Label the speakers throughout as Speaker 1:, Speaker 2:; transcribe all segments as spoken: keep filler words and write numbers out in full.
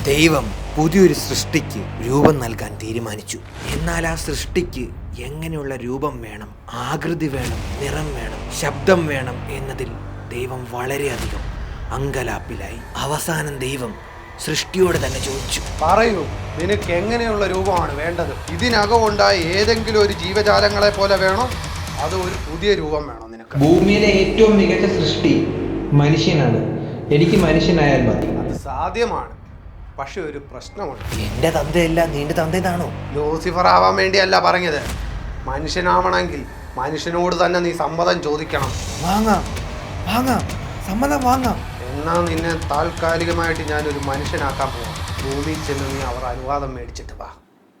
Speaker 1: ദൈവം പുതിയൊരു സൃഷ്ടിക്ക് രൂപം നൽകാൻ തീരുമാനിച്ചു. എന്നാൽ ആ സൃഷ്ടിക്ക് എങ്ങനെയുള്ള രൂപം വേണം, ആകൃതി വേണം, നിറം വേണം, ശബ്ദം വേണം എന്നതിൽ ദൈവം വളരെയധികം അങ്കലാപ്പിലായി. അവസാനം ദൈവം സൃഷ്ടിയോട് തന്നെ ചോദിച്ചു,
Speaker 2: പറയൂ, നിനക്ക് എങ്ങനെയുള്ള രൂപമാണ് വേണ്ടത്? ഇതിനകം ഉണ്ടായ ഏതെങ്കിലും ഒരു ജീവജാലങ്ങളെ പോലെ വേണോ, അത് ഒരു പുതിയ രൂപം വേണോ നിനക്ക്?
Speaker 3: ഭൂമിയിലെ ഏറ്റവും മികച്ച സൃഷ്ടി മനുഷ്യനാണ്. എനിക്ക് മനുഷ്യനായാൽ മതി.
Speaker 2: അത് സാധ്യമാണ്, പക്ഷെ ഒരു പ്രശ്നമുണ്ട്.
Speaker 1: എന്റെ തന്തയല്ല നിന്റെ തന്തേതാണോ?
Speaker 2: ലൂസിഫർ ആവാൻ വേണ്ടിയല്ല പറഞ്ഞത്. മനുഷ്യനാവണമെങ്കിൽ മനുഷ്യനോട് തന്നെ നീ സമ്മതം ചോദിക്കണം.
Speaker 1: വാങ്ങാം വാങ്ങാം സമ്മതം വാങ്ങാം.
Speaker 2: എന്നാ നിന്നെ താൽക്കാലികമായിട്ട് ഞാനൊരു മനുഷ്യനാക്കാൻ പോവാം. ഭൂമിയിൽ ചെന്ന് നീ അവർ അനുവാദം മേടിച്ചിട്ട് വാ.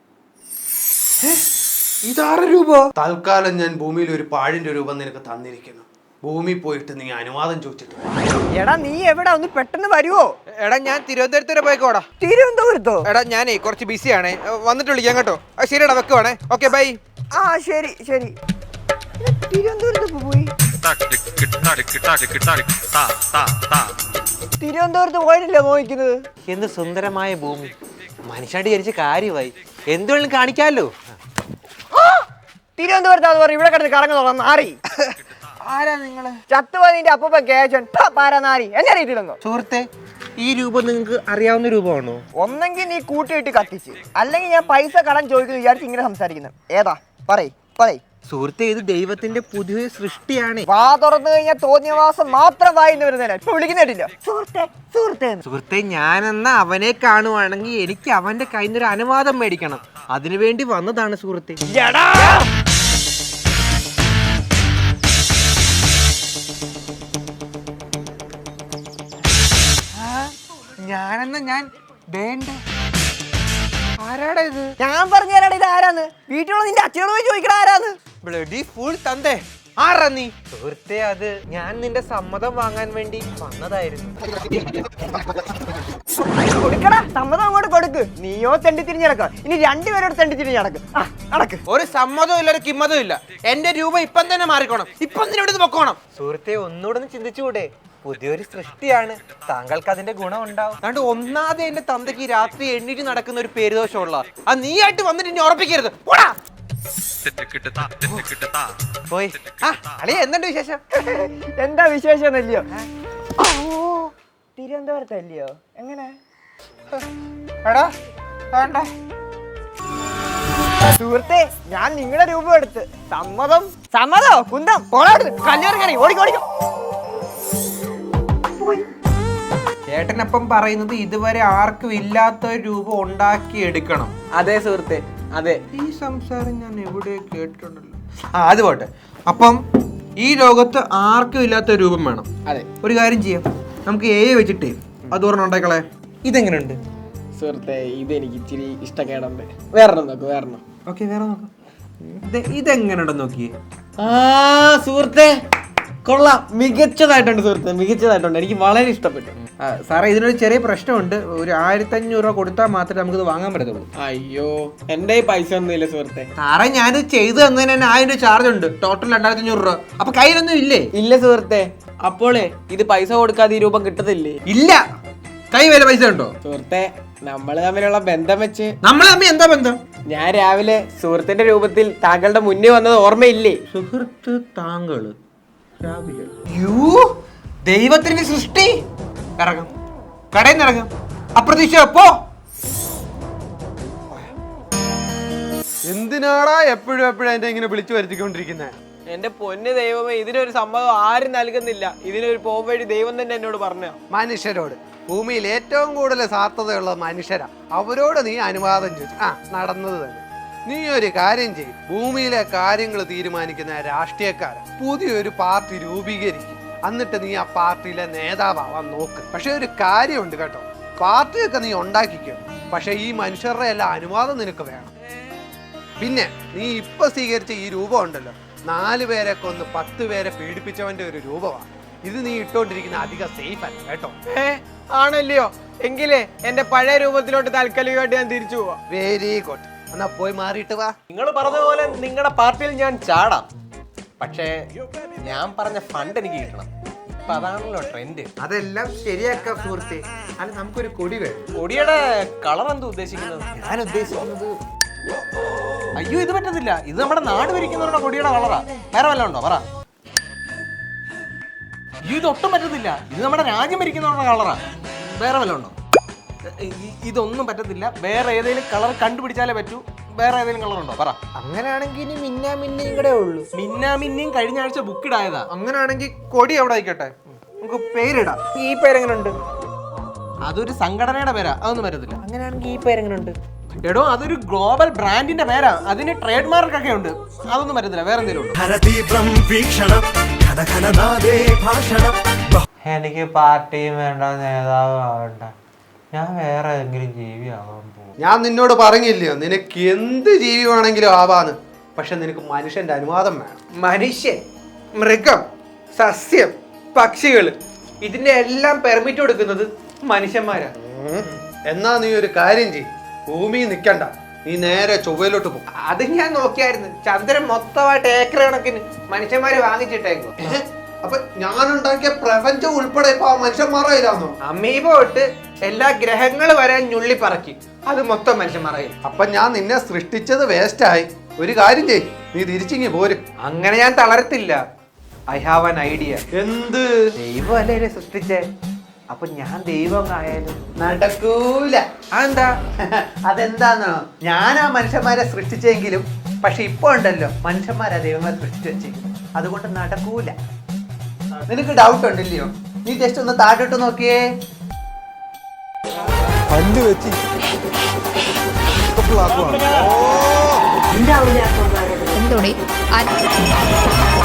Speaker 1: ഇതാറ് രൂപ?
Speaker 2: തൽക്കാലം ഞാൻ ഭൂമിയിൽ ഒരു പാഴിന്റെ രൂപം നിനക്ക് തന്നിരിക്കുന്നു. ഭൂമി പോയിട്ട് നീ അനുവാദം ചോദിച്ചിട്ട് വാ.
Speaker 4: എടാ നീ എവിടെ, ഒന്ന് പെട്ടെന്ന് വരുവോ?
Speaker 5: എടാ ഞാൻ തിരുവനന്തപുരത്ത് വരെ പോയിക്കോടാ.
Speaker 4: തിരുവനന്തപുരത്തോ?
Speaker 5: എടാ ഞാനേ കുറച്ച് ബിസിയാണേ, വന്നിട്ട് വിളിക്കാം കേട്ടോ. ശരിയടാ, വെക്കുവാണേ. Okay bye.
Speaker 4: ആ ശരി ശരി. തിരുവനന്തപുരത്ത് പോയി തിരുവനന്തപുരത്ത് പോയിട്ടില്ല മോഹിക്കുന്നത്.
Speaker 1: എന്ത് സുന്ദരമായ ഭൂമി, മനുഷ്യനായിട്ട് വിചാരിച്ച കാര്യമായി. എന്തുവേലും കാണിക്കാമല്ലോ.
Speaker 4: തിരുവനന്തപുരത്താന്ന് പറഞ്ഞു ഇവിടെ കിടന്ന് കറങ്ങുന്നോളാം നാറി.
Speaker 5: ആരാ നിങ്ങള്?
Speaker 4: ചത്തുപോയി നിന്റെ അപ്പൂപ്പ കേശൻ പാരാ നാരി. എന്നെ അറിയത്തില്ലെന്നോ?
Speaker 5: സുഹൃത്തെ, ഈ രൂപം നിങ്ങൾക്ക് അറിയാവുന്ന രൂപമാണോ?
Speaker 4: ഒന്നെങ്കിൽ നീ കൂട്ടിയിട്ട് കത്തിച്ച്, അല്ലെങ്കിൽ ഞാൻ പൈസ കടം ചോദിക്കുന്നു വിചാരിച്ച് ഇങ്ങനെ സംസാരിക്കുന്നത്. ഏതാ പറയ് പറയ്.
Speaker 5: സുഹൃത്തെ, ഇത് ദൈവത്തിന്റെ പുതിയ സൃഷ്ടിയാണ്.
Speaker 4: വാ തുറന്നു കഴിഞ്ഞാൽ തോന്നിയവാസം മാത്രം വായിന്ന് വരുന്നതിനാ ഇപ്പൊ വിളിക്കുന്നില്ല. സുഹൃത്തെ സുഹൃത്തെ
Speaker 5: സുഹൃത്തെ, ഞാനെന്ന അവനെ കാണുവാണെങ്കിൽ എനിക്ക് അവന്റെ കയ്യിൽ നിന്നൊരു അനുവാദം മേടിക്കണം. അതിനുവേണ്ടി വന്നതാണ് സുഹൃത്തെ. ഞാനെന്ന ഞാൻ വേണ്ട. ആരാടാ ഇത്?
Speaker 4: ഞാൻ പറഞ്ഞു തരാടാ ഇത് ആരാന്ന്. വീട്ടിലുള്ള നിന്റെ അച്ഛനോട് പോയി ചോദിക്കണ ആരാന്ന്.
Speaker 5: ബ്ലഡി ഫുൾ തന്തേ. ആരാ നീ? സുഹൃത്തെ, അത് ഞാൻ നിന്റെ സമ്മതം വാങ്ങാൻ വേണ്ടി വന്നതായിരുന്നു.
Speaker 4: കൊടുക്കടാ, സമ്മതം അങ്ങോട്ട് കൊടുക്ക്. നീയോ തെണ്ടി തിരിഞ്ഞ് നടക്ക, ഇനി രണ്ടുപേരോട് തെണ്ടി തിരിഞ്ഞ് നടക്ക്. ആ നടക്ക്.
Speaker 5: ഒരു സമ്മതവും ഇല്ല, ഒരു കിമ്മതും ഇല്ല. എന്റെ രൂപ ഇപ്പം തന്നെ മാറിക്കോണം. ഇപ്പം തന്നെ ഇവിടെ പൊക്കോണം. സുഹൃത്തെ, ഒന്നുകൂടെ ഒന്ന് ചിന്തിച്ചുകൂടെ? പുതിയൊരു സൃഷ്ടിയാണ്, താങ്കൾക്ക് അതിന്റെ ഗുണം ഉണ്ടാവും. അതുകൊണ്ട് ഒന്നാമത് എന്റെ തന്തയ്ക്ക് രാത്രി എണ്ണീറ്റ് നടക്കുന്ന ഒരു പേരുദോഷമുള്ള ആ നീ ആയിട്ട് വന്നിട്ട് ഇനി ഉറപ്പിക്കരുത്. പോടാ. പോയി. ആ അളിയ, എന്തുണ്ട് വിശേഷം?
Speaker 4: എന്താ വിശേഷം എന്നല്ലയോ? തിരുവനന്തപുരത്തല്ലയോ? എങ്ങനെ?
Speaker 5: എടാ വേണ്ട
Speaker 4: സുഹൃത്തെ, ഞാൻ നിങ്ങളുടെ രൂപം എടുത്ത് സമ്മതം. സമ്മതോ കുന്തം പോളാട് കല്യാണം കറി ഓടിക്കോടിക്കോ.
Speaker 5: ചേട്ടനപ്പം പറയുന്നത് ഇതുവരെ ആർക്കും ഇല്ലാത്ത ഒരു രൂപം ഉണ്ടാക്കി എടുക്കണം.
Speaker 4: അതെ സുഹൃത്തെ, അതെ.
Speaker 5: ഈ സംസാരം ഞാൻ എവിടെ കേട്ടിട്ടുണ്ടല്ലോ. ആ അത് പോട്ടെ. അപ്പം ഈ ലോകത്ത് ആർക്കും ഇല്ലാത്ത രൂപം വേണം.
Speaker 4: അതെ.
Speaker 5: ഒരു കാര്യം ചെയ്യാം, നമുക്ക് എ വെച്ചിട്ടേ അത് പറഞ്ഞ ഉണ്ടാക്കളെ. ഇതെങ്ങനെയുണ്ട്
Speaker 4: സുഹൃത്തെ? ഇതെനിക്ക് ഇച്ചിരി ഇഷ്ടക്കേടുണ്ട്. വേറെ നോക്ക്, വേറെ.
Speaker 5: ഓക്കെ, വേറെ നോക്കാം. ഇതെങ്ങനെയുണ്ടെന്ന് നോക്കിയേ.
Speaker 4: ആ സുഹൃത്തെ, കൊള്ളാം, മികച്ചതായിട്ടുണ്ട് സുഹൃത്തെ, മികച്ചതായിട്ടുണ്ട്. എനിക്ക് വളരെ ഇഷ്ടപ്പെട്ടു.
Speaker 5: സാറേ, ഇതിനൊരു ചെറിയ പ്രശ്നമുണ്ട്. ഒരു ആയിരത്തി അഞ്ഞൂറ് രൂപ കൊടുത്താൽ മാത്രമേ നമുക്കിത് വാങ്ങാൻ പറ്റത്തുള്ളൂ.
Speaker 4: അയ്യോ, എന്റെ പൈസ ഒന്നുമില്ല സുഹൃത്തെ.
Speaker 5: സാറേ, ഞാൻ ചെയ്തു തന്നതിന് തന്നെ ആയിരം രൂപ ചാർജ് ഉണ്ട്. ടോട്ടൽ രണ്ടായിരത്തി അഞ്ഞൂറ് രൂപ. അപ്പൊ കയ്യിലൊന്നും ഇല്ലേ?
Speaker 4: ഇല്ല സുഹൃത്തെ. അപ്പോളേ ഇത് പൈസ കൊടുക്കാതെ ഈ രൂപം കിട്ടത്തില്ലേ?
Speaker 5: ഇല്ല. കൈ വരെ പൈസ ഉണ്ടോ?
Speaker 4: സുഹൃത്തെ, നമ്മള് തമ്മിലുള്ള ബന്ധം വെച്ച്.
Speaker 5: നമ്മൾ തമ്മിൽ എന്താ ബന്ധം?
Speaker 4: ഞാൻ രാവിലെ സുഹൃത്തിന്റെ രൂപത്തിൽ താങ്കളുടെ മുന്നേ വന്നത് ഓർമ്മയില്ലേ?
Speaker 5: സുഹൃത്ത് താങ്കള് രാവിലെ? യോ, ദൈവത്തിന്റെ സൃഷ്ടി. ഇറങ്ങും, കടയിൽ നിന്ന് ഇറങ്ങും. അപ്രതീക്ഷ പോ.
Speaker 2: എന്തിനാടാ എപ്പോഴും എപ്പോഴും എന്നെ ഇങ്ങനെ വിളിച്ചു വരുത്തിക്കൊണ്ടിരിക്കുന്നത്?
Speaker 4: എന്റെ പൊന്ന് ദൈവമേ, ഇതിനൊരു സമ്മതം ആരും നൽകുന്നില്ല. ഇതിനൊരു പോകും വഴി ദൈവം തന്നെ എന്നോട് പറഞ്ഞു.
Speaker 2: മനുഷ്യരോട്, ഭൂമിയിൽ ഏറ്റവും കൂടുതൽ സാർത്ഥതയുള്ള മനുഷ്യരാ, അവരോട് നീ അനുവാദം ചോദിച്ചു. ആ നടന്നത് തന്നെ. നീ ഒരു കാര്യം ചെയ്യും, ഭൂമിയിലെ കാര്യങ്ങൾ തീരുമാനിക്കുന്ന രാഷ്ട്രീയക്കാരെ പുതിയൊരു പാർട്ടി രൂപീകരിക്കും. എന്നിട്ട് നീ ആ പാർട്ടിയിലെ നേതാവാൻ നോക്ക്. പക്ഷെ ഒരു കാര്യമുണ്ട് കേട്ടോ, പാർട്ടിയൊക്കെ നീ ഉണ്ടാക്കിക്കോ, പക്ഷെ ഈ മനുഷ്യരുടെ എല്ലാം അനുവാദം നിനക്ക് വേണം. പിന്നെ നീ ഇപ്പൊ സ്വീകരിച്ച ഈ രൂപം ഉണ്ടല്ലോ, നാല് പേരെ കൊന്ന് പത്ത് പേരെ പീഡിപ്പിച്ചവന്റെ ഒരു രൂപമാണ്. ഇത് നീ ഇട്ടോണ്ടിരിക്കുന്ന അധികം സേഫ് അല്ല കേട്ടോ.
Speaker 4: ഏ ആണല്ലയോ? എങ്കിലേ എന്റെ പഴയ രൂപത്തിലോട്ട് താൽക്കാലികമായിട്ട് ഞാൻ തിരിച്ചു പോവാ.
Speaker 2: Very good. എന്നാ പോയി മാറിയിട്ട് വാ.
Speaker 6: നിങ്ങൾ പറഞ്ഞ പോലെ നിങ്ങളുടെ പാർട്ടിയിൽ ഞാൻ ചാടാം, പക്ഷേ ഞാൻ പറഞ്ഞ ഫണ്ട് എനിക്ക് കിട്ടണം.
Speaker 5: ഇപ്പൊ അതാണല്ലോ ട്രെൻഡ്.
Speaker 1: അതെല്ലാം ശരിയാക്കാം സുഹൃത്തെ. അല്ല നമുക്കൊരു കൊടി വേണം.
Speaker 5: കൊടിയുടെ കളർ എന്താ ഉദ്ദേശിക്കുന്നത്?
Speaker 1: ഞാൻ ഉദ്ദേശിക്കുന്നത്
Speaker 5: അയ്യോ ഇത് പറ്റത്തില്ല. ഇത് നമ്മുടെ നാട് ഭരിക്കുന്നവരുടെ കൊടിയുടെ കളറാ. വേറെ വല്ലതും ഉണ്ടോ പറ? അയ്യോ ഇത് ഒട്ടും പറ്റത്തില്ല. ഇത് നമ്മുടെ രാജ്യം ഭരിക്കുന്നവരുടെ കളറാ. വേറെ വല്ലതും ഉണ്ടോ? ഇ- ഇതൊന്നും പറ്റത്തില്ല. വേറെ ഏതെങ്കിലും കളർ കണ്ടുപിടിച്ചാലേ പറ്റൂ. വേറെ ഏതെങ്കിലും കളർ ഉണ്ടോ പറ?
Speaker 1: അങ്ങനെയാണെങ്കിൽ ഇനി മിന്നാ മിന്നയും കൂടെ ഉള്ളൂ.
Speaker 5: മിന്നാ മിന്നിയും കഴിഞ്ഞ ആഴ്ച ബുക്ക് ഇടായതാ.
Speaker 1: അങ്ങനെയാണെങ്കിൽ കൊടി എവിടെ ആയിക്കോട്ടെ, നമുക്ക് പേരിടാം. ഈ പേരെങ്ങനെയുണ്ട്?
Speaker 5: അതൊരു സംഘടനയുടെ പേരാ. അതൊന്നും പറ്റത്തില്ല.
Speaker 1: അങ്ങനെയാണെങ്കിൽ ഈ പേരെങ്ങനെയുണ്ട്?
Speaker 5: എടോ അതൊരു ഗ്ലോബൽ ബ്രാൻഡിന്റെ പേരാ. അതിന് ട്രേഡ് മാർക്ക് ഒക്കെ ഉണ്ട്. അതൊന്നും പറ്റത്തില്ല. വേറെ എന്തെങ്കിലും ഉണ്ടോ?
Speaker 6: ഹരതീവ്രം വീക്ഷണം ഘനഘനനാദേ ഭാഷണം.
Speaker 7: എനിക്ക് പാർട്ടിയും വേണ്ട, നേതാവും ആവണ്ട. ഞാൻ വേറെ ഏതെങ്കിലും ജീവിയാവാൻ പോകും.
Speaker 2: ഞാൻ നിന്നോട് പറഞ്ഞില്ലയോ നിനക്ക് എന്ത് ജീവി വേണമെങ്കിലും ആവാന്ന്. പക്ഷെ നിനക്ക് മനുഷ്യന്റെ അനുവാദം വേണം.
Speaker 1: മനുഷ്യൻ, മൃഗം, സസ്യം, പക്ഷികൾ, ഇതിന്റെ എല്ലാം പെർമിറ്റ് കൊടുക്കുന്നത് മനുഷ്യന്മാരാണ്.
Speaker 2: ഉം. എന്നാ നീ ഒരു കാര്യം ചെയ്യ്, ഭൂമി നിക്കണ്ട, നീ നേരെ ചൊവ്വയിലോട്ട് പോകും.
Speaker 1: അത് ഞാൻ നോക്കിയായിരുന്നു. ചന്ദ്രൻ മൊത്തമായിട്ട് ഏക്കർ കണക്കിന് മനുഷ്യന്മാര് വാങ്ങിച്ചിട്ടേക്കും.
Speaker 2: അപ്പൊ ഞാനുണ്ടാക്കിയ പ്രപഞ്ചം ഉൾപ്പെടെ ഇപ്പൊ ആ മനുഷ്യന്മാരായില്ലാന്നോ?
Speaker 1: അമീബ തൊട്ട് എല്ലാ ഗ്രഹങ്ങൾ വരെ ഞുള്ളി പറക്കി അത് മൊത്തം മനുഷ്യന്മാരായി.
Speaker 2: അപ്പൊ ഞാൻ നിന്നെ സൃഷ്ടിച്ചത് വേസ്റ്റ് ആയി. ഒരു കാര്യം ചെയ്യ്, നീ തിരിച്ചിങ്ങി പോര്.
Speaker 1: അങ്ങനെ ഞാൻ തളരത്തില്ല. I have an idea.
Speaker 2: എന്ത്?
Speaker 1: ദൈവം അല്ലേ എന്നെ സൃഷ്ടിച്ചേ, അപ്പൊ ഞാൻ ദൈവം ആയാലും
Speaker 2: നടക്കൂല.
Speaker 1: അതെന്താ?
Speaker 2: അതെന്താന്നോ, ഞാനാ മനുഷ്യന്മാരെ സൃഷ്ടിച്ചെങ്കിലും പക്ഷെ ഇപ്പൊ ഉണ്ടല്ലോ മനുഷ്യന്മാരാ ദൈവങ്ങളെ സൃഷ്ടിച്ചു വെച്ചെങ്കിലും അതുകൊണ്ട് നടക്കൂല. നിനക്ക് ഡൗട്ട് ഉണ്ടല്ലയോ? നീ ജസ്റ്റ് ഒന്ന് താഴോട്ട് നോക്കിയേ.
Speaker 8: എന്തോടി